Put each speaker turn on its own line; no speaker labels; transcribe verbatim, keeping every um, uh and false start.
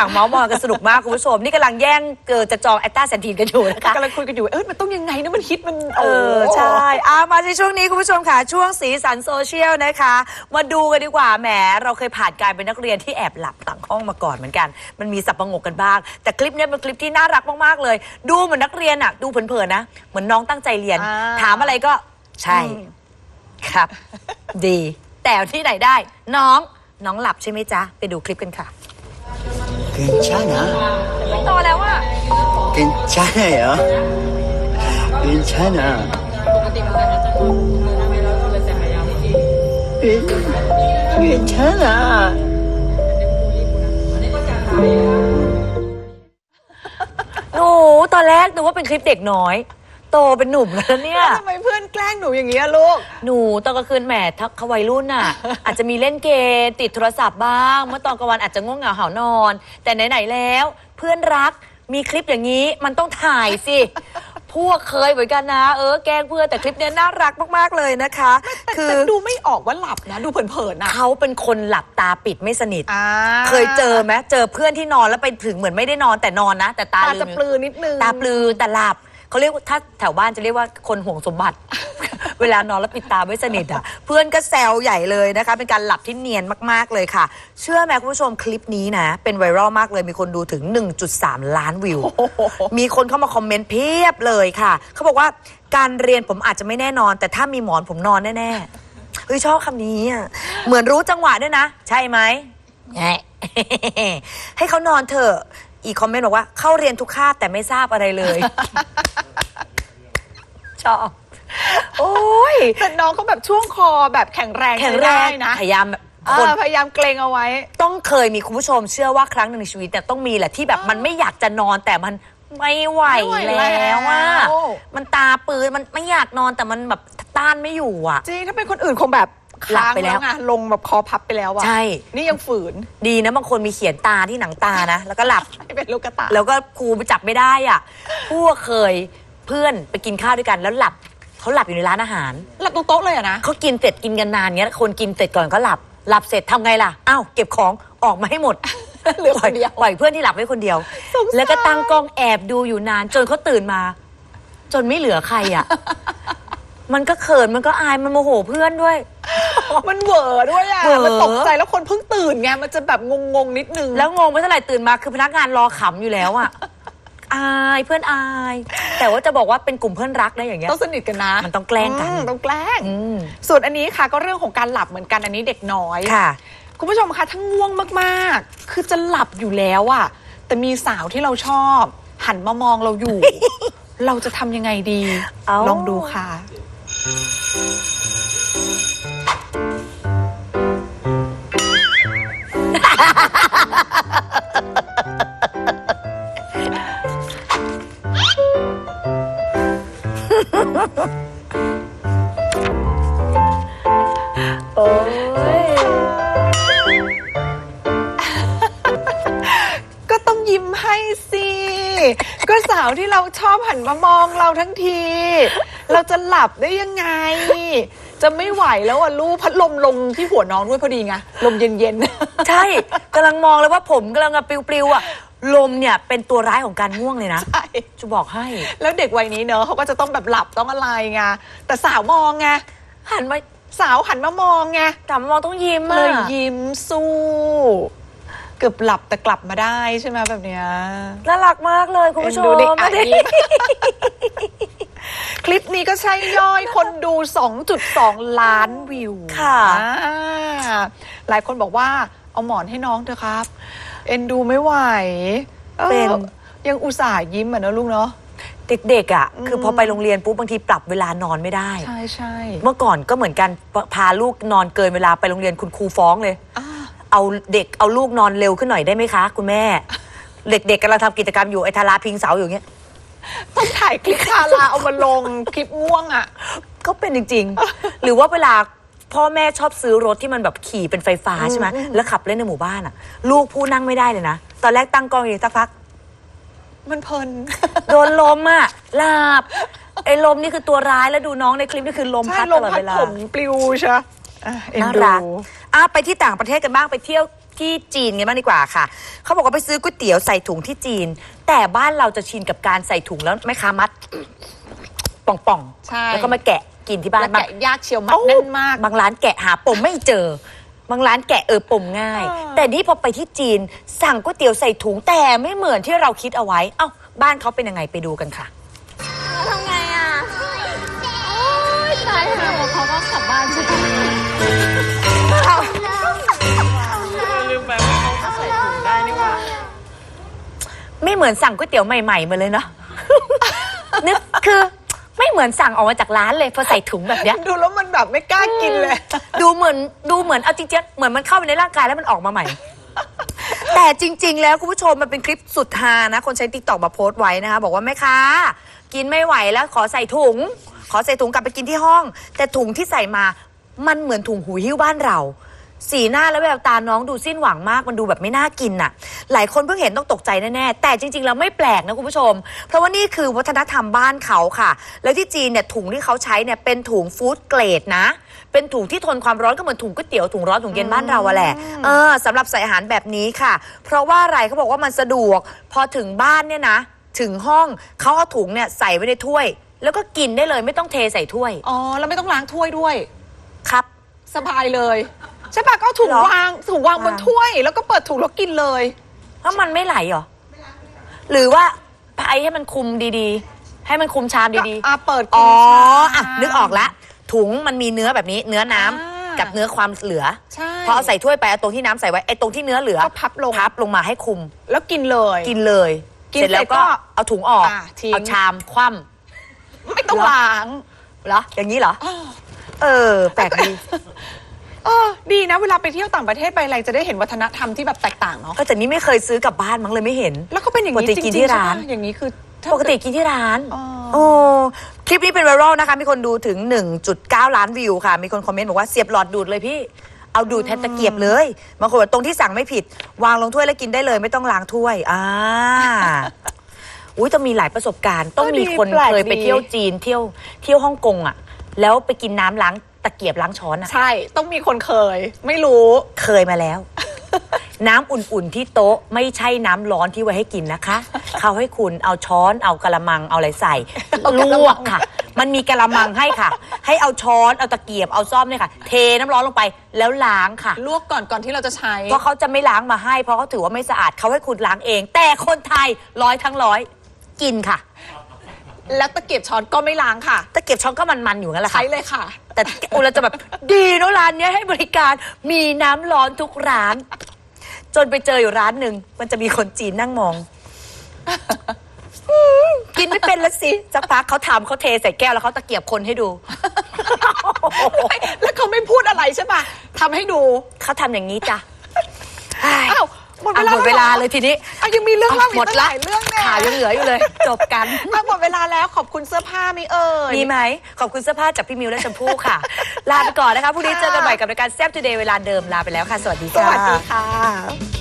างเมาส์มอยกันสนุกมากคุณผู้ชมนี่กำลังแย่งเกิดจะจองแอตตาแซนทีนกันอยู่นะคะ
กำลังคุยกันอยู่เออมันต้องยังไงนะมันฮิตมัน
เออใช่อามาในช่วงนี้คุณผู้ชมค่ะช่วงสีสันโซเชียลนะคะมาดูกันดีกว่าแหมเราเคยผ่านการเป็นนักเรียนที่แอบหลับต่างห้องมาก่อนเหมือนกันมันมีสับประงกกันบ้างแต่คลิปนี้เป็นคลิปที่น่ารักมากๆเลยดูเหมือนนักเรียนอะดูเผินๆนะเหมือนน้องตั้งใจเรียนถามอะไรก็ใช่ครับดีแต่ที่ไหนได้น้องน้องหลับใช่ไหมจ๊ะไปดูคลิปกันค่ะ
괜찮아?
โตแล้วอะ
괜찮아요? 괜찮아. 괜찮아.
หนูตอนแรกนึกว่าเป็นคลิปเด็กน้อยโตเป็นหนุ่มแล้วเนี่ย
ทำไมเพื่อนแกล้งหนูอย่างนี้ลูก
หนูตอนกลางคืนแหมทักเขาวัยรุ่นน่ะ อาจจะมีเล่นเกมติดโทรศัพท์บ้างเมื่อตอนกลางวันอาจจะง่วงเหงาหานอน แต่ไหนๆแล้วเพื่อนรักมีคลิปอย่างนี้มันต้องถ่ายสิ พวกเคยเหมือนกันนะเออแกล้งเพื่อนแต่คลิปนี้น่ารักมากๆเลยนะคะ
คือดูไม่ออกว่าหลับนะดูเผินๆนะ
เขาเป็นคนหลับตาปิดไม่สนิท
อ่า
เคยเจอไหมเจอเพื่อนที่นอนแล้วไปถึงเหมือนไม่ได้นอนแต่นอนนะแต่ตา
ตาจะปลือนิดนึง
ตาปลือแต่หลับเขาเรียกว่าถ้าแถวบ้านจะเรียกว่าคนห่วงสมบัติ เวลานอนแล้วปิดตาไม่สนิทอ่ะเพื่อนก็แซวใหญ่เลยนะคะเป็นการหลับที่เนียนมากๆเลยค่ะเชื่อไหมคุณผู้ชมคลิปนี้นะเป็นไวรัลมากเลยมีคนดูถึง หนึ่งจุดสาม ล้านวิว มีคนเข้ามาคอมเมนต์เพียบเลยค่ะเขาบอกว่าการเรียนผมอาจจะไม่แน่นอนแต่ถ้ามีหมอนผมนอนแน่ๆเฮ้ยชอบคำนี้อ่ะเหมือนรู้จังหวะด้วยนะใช่ไหม ให้เขานอนเถอะอีกคอมเมนต์บอกว่าเข้าเรียนทุกคาบแต่ไม่ทราบอะไรเลย ชอบโอ้ย
แต่น้องเขาแบบช่วงคอแบบแข็งแรง
แข็งแรงนะพยายาม
คนพยายามเกรงเอาไว้
ต้องเคยมีคุณผู้ชมเชื่อว่าครั้งหนึ่งในชีวิตเนี่ยต้องมีแหละที่แบบมันไม่อยากจะนอนแต่มันไม่ไหวแล้วว่ามันตาปืนมันไม่อยากนอนแต่มันแบบต้านไม่อยู่อ่ะ
จริงถ้าเป็นคนอื่นคงแบบ
หลับไปแล้ว
ไงลงแบบคอพับไปแล้วอะ
ใช่
นี่ยังฝืน
ดีนะบางคนมีเขียนตาที่หนังตานะแล้วก็หลับ
เป็นลูกกระตา
แล้วก็ครูไปจับไม่ได้อ่ะพวกเคยเพื่อนไปกินข้าวด้วยกันแล้วหลับเขาหลับอยู่ในร้านอาหาร
หลับตรงโต๊ะเลยอะนะ
เขากินเสร็จกินกันนานเงี้ยคนกินเสร็จก่อนก็หลับหลับเสร็จทำไงล่ะอ้าวเก็บของออกมาให้หมด
เหลือคนเดียว
ปล่อยเพื่อนที่หลับไว้คนเดียวแล้วก็ตั้งกล้องแอบดูอยู่นานจนเขาตื่นมาจนไม่เหลือใครอ่ะมันก็เขินมันก็อายมันโมโหเพื่อนด้วย
มันเหวอด้วยอ่ะมันตกใจแล้วคนเพิ่งตื่นไงมันจะแบบงงๆนิดนึง
แล้วงงไปเท่าไหร่ตื่นมาคือพนักงานรอขำอยู่แล้วอ่ะอายเพื่อนอายแต่ว่าจะบอกว่าเป็นกลุ่มเพื่อนรักนะอย่างเงี้ย
ต้องสนิทกันนะ
มันต้องแกล้งกัน
ต้องแกล้งส่วนอันนี้ค่ะก็เรื่องของการหลับเหมือนกันอันนี้เด็กน้อย
ค่ะ
คุณผู้ชมคะถ้าง่วงมากๆคือจะหลับอยู่แล้วอ่ะแต่มีสาวที่เราชอบหันมามองเราอยู่ เราจะทำยังไงดีลองดูค่ะ
โอ้ย
ก็ต้องยิ้มให้สิก็สาวที่เราชอบหันมามองเราทั้งทีเราจะหลับได้ยังไงจะไม่ไหวแล้วอ่ะลูกพัดลมลงที่หัวน้องด้วยพอดีไงลมเย็น
ๆใช่กำลังมองเลยว่าผมกำลังปลิวๆอ่ะลมเนี่ยเป็นตัวร้ายของการง่วงเลยนะ
ใช่
จะบอกให้
แล้วเด็กวัยนี้เนอะเขาก็จะต้องแบบหลับต้องอะไรไงแต่สาวมองไง
หันมา
สาวหันมามองไง
แต่มองต้องยิ้ม
เลยยิ้มสู้เกือบหลับแต่กลับมาได้ใช่ไหมแบบเนี้ย
น่ารักมากเลยคุณผู้ชม
คลิปนี้ก็ใช่ย่อยคนดู สองจุดสอง ล้านวิว
ค่ะ
หลายคนบอกว่าเอาหมอนให้น้องเถอะครับเอ็นดูไม่ไหว
เป็น
ยังอุตส่าห์ยิ้มอ่ะนะลูกเนาะ
เด็กๆอ่ะคือพอไปโรงเรียนปุ๊บบางทีปรับเวลานอนไม่ได้
ใช่ใช่
เมื่อก่อนก็เหมือนกันพาลูกนอนเกินเวลาไปโรงเรียนคุณครูฟ้องเลยเอาเด็กเอาลูกนอนเร็วขึ้นหน่อยได้ไหมคะคุณแม่เด็กๆกำลังทำกิจกรรมอยู่ไอ้ทาราพิงเสาอยู่เงี้ย
ต้องถ่ายคลิปทาราเอามาลงคลิปง่วงอ่ะ
ก็เป็นจริงๆหรือว่าเวลาพ่อแม่ชอบซื้อรถที่มันแบบขี่เป็นไฟฟ้าใช่ไหมแล้วขับเล่นในหมู่บ้านอ่ะลูกผู้นั่งไม่ได้เลยนะตอนแรกตั้งกล้องอยู่สักพัก
มันเพลิน
โดนลมอ่ะหลับไอ้ลมนี่คือตัวร้ายแล้วดูน้องในคลิปนี่คือลมพัดตลอดเวลา
ผมปลิวใช่
น่ารักอ่ะไปที่ต่างประเทศกันบ้างไปเที่ยวที่จีนกันบ้างดีกว่าค่ะเขาบอกว่าไปซื้อก๋วยเตี๋ยวใส่ถุงที่จีน แต่บ้านเราจะชินกับการใส่ถุงแล้วแม่ค้ามัดป่อง
ใช่
ๆแล้วก็มาแกะกินที่บ้าน
แล้วแกะยากเชียวมัดแน่นมาก
บางร้านแกะหาปมไม่เจอ บางร้านแกะเออปมง่าย
เออ
แต่นี่พอไปที่จีนสั่งก๋วยเตี๋ยวใส่ถุงแต่ไม่เหมือนที่เราคิดเอาไว้เอ้าบ้านเขาเป็นยังไงไปดูกันค่ะ
ทำไงอ่ะ โอ๊ยตายแล้วเขาก็กลับบ้านใช่ไหม
ลืมไปว่าเขาก็ใส่ถุงได้นี่หว่า
ไม่เหมือนสั่งก๋วยเตี๋ยวใหม่ๆมาเลยเนาะ นึกคือไม่เหมือนสั่งออกมาจากร้านเลยพอใส่ถุงแบบเนี้ย
ดูแล้วมันแบบไม่กล้ากินเลย
ดูเหมือนดูเหมือนเอาจริงๆเหมือนมันเข้าไปในร่างกายแล้วมันออกมาใหม่ แต่จริง ๆ แล้วคุณผู้ชมมันเป็นคลิปสุดฮานะ คนใช้ติ๊กต็อกมาโพสต์ไว้นะคะ บอกว่าแม่ค้ากินไม่ไหวแล้วขอใส่ถุง ขอใส่ถุงกลับไปกินที่ห้อง แต่ถุงที่ใส่มามันเหมือนถุงหูหิ้วบ้านเรา สีหน้าและแววตาน้องดูสิ้นหวังมากมันดูแบบไม่น่ากินน่ะ หลายคนเพิ่งเห็นต้องตกใจแน่ๆแต่จริงๆแล้วไม่แปลกนะคุณผู้ชม เพราะว่านี่คือวัฒนธรรมบ้านเขาค่ะ แล้วที่จีนเนี่ยถุงที่เขาใช้เนี่ยเป็นถุงฟู้ดเกรดนะ เป็นถุงที่ทนความร้อนก็เหมือนถุงก๋วยเตี๋ยวถุงร้อนถุงเย็นบ้านเราอะแหละเออสำหรับใส่อาหารแบบนี้ค่ะ เพราะว่าอะไรเขาบอกว่ามันสะดวก พอถึงบ้านเนี่ยนะ ถึงห้องเขาเอาถุงเนี่ยใส่ไว้ในถ้วย แล้วก็กินได้เลยไม่ต้องเทใส่ถ้วย
อ๋อ แล้วไม่ต้องล้างถ้วยด้วย
ครับ
สบายเลย ใช่ปะก็เอาถุง
เหรอ
วางถุงวางบน
วาง
ถ้วย แล้วก็เปิดถุงแล้วกินเลย
แล้วมันไม่ไหลเหรอหรือว่าไอให้มันคุมดีๆ ให้มันคุมชามดีๆ
อ่ะเปิด
อ๋อ
กินชาม
อ่ะนึกออกละถุงมันมีเนื้อแบบนี้เนื้อน้ำ
อ่า
กับเนื้อความเหลือ
ใช่
พอเอาใส่ถ้วยไปเอาตรงที่น้ำใส่ไว้ไอ้ตรงที่เนื้อเหลือ
ก็พับลง
พับลงมาให้คุม
แล้วกินเลย
กินเลย
กิน
เสร็จแล้วก็
เสร็จก็
เอาถุงออก
อ่ะทิ้ง
เอาชามคว่
ไม่ต้องล้าง
ำเหรออย่างนี้เหรอ เออ แปลกดี
เออดีนะเวลาไปเที่ยวต่างประเทศไปอะไรจะได้เห็นวัฒนธรรมที่แบบแตกต่างเนาะ
ก็แต่นี้ไม่เคยซื้อกลับบ้านมั้งเลยไม่เห็น
แล้วก็เป็นอย่าง
ปก
นี้
ติ
จริงๆ
กินที่ร้าน
ใช่ปะอย่างนี้คือถ้า
ปกติกินที่ร้าน
อ๋อ
โอ้คลิปนี้เป็นไวรัลนะคะ มีคนดูถึง หนึ่งจุดเก้า ล้านวิวค่ะ มีคนคอมเมนต์บอกว่าเสียบหลอดดูดเลยพี่ เอาดูดแทนตะเกียบเลยบางคนบอกตรงที่สั่งไม่ผิด วางลงถ้วยแล้วกินได้เลยไม่ต้องล้างถ้วยอ่าอุ้ยต้องมีหลายประสบการณ์ ต้องมีคนเคยไปเที่ยวจีนเที่ยวเที่ยวฮ่องกงอ่ะ แล้วไปกินน้ำล้างตะเกียบล้างช้อนอ่ะ
ใช่ต้องมีคนเคย ไม่รู้
เคยมาแล้ว น้ำอุ่นๆที่โต๊ะไม่ใช่น้ำร้อนที่ไว้ให้กินนะคะ เขาให้คุณเอาช้อนเอากะละมังเอาอะไรใส่
เอา
ล
กะละมัง
วกค่ะ มันมีกะละมังให้ค่ะ ให้เอาช้อนเอาตะเกียบเอาซ่อมเนี่ยค่ะ เทน้ำร้อนลงไปแล้วล้างค่ะ
ลวกก่อนก่อนที่เราจะใช้
เพราะเขาจะไม่ล้างมาให้ เพราะเขาถือว่าไม่สะอาดเขาให้คุณล้างเอง แต่คนไทยร้อยทั้งร้อยกินค่ะ
แล้วตะเกียบช้อนก็ไม่ล้างค่ะ
ตะเกียบช้อนก็มันๆอยู่งั้นแหละค่ะ
ใช้เลยค่ะ
แต่อุเราจะแบบดีเนอะร้านเนี้ยให้บริการมีน้ำร้อนทุกร้าน จนไปเจออยู่ร้านหนึ่งมันจะมีคนจีนนั่งมองอืมกินไม่เป็นละสิสักพักเขาทำเขาเทใส่แก้วแล้วเขาตะเกียบคนให้ดู
แล้วเขาไม่พูดอะไรใช่ปะทำให้ดู
เขาทำอย่างนี้จ้ะ
อ้าวหมดเว
อ่ะ
ลา
หมดเวลาเลยทีนี้
อ่ะยังมีเรื่องเล่าอีก
หมด
ตั้งห
ละ
ลายเรื่องเนี่ย
ข่าวยังเหลืออยู่เลย จบกัน
อ่ะหมดเวลาแล้วขอบคุณเสื้อผ้าไหมเอ่ย
มีไหมขอบคุณเสื้อผ้าจากพี่มิวและชมพู่ค่ะ ลาไปก่อนนะคะพรุ่งนี้เจอกันใหม่กับรายการแซ่บทูเดย์เวลาเดิมลาไปแล้วค่ะ สวัสดี
ส
ค่ะ
วัสดีค่ะ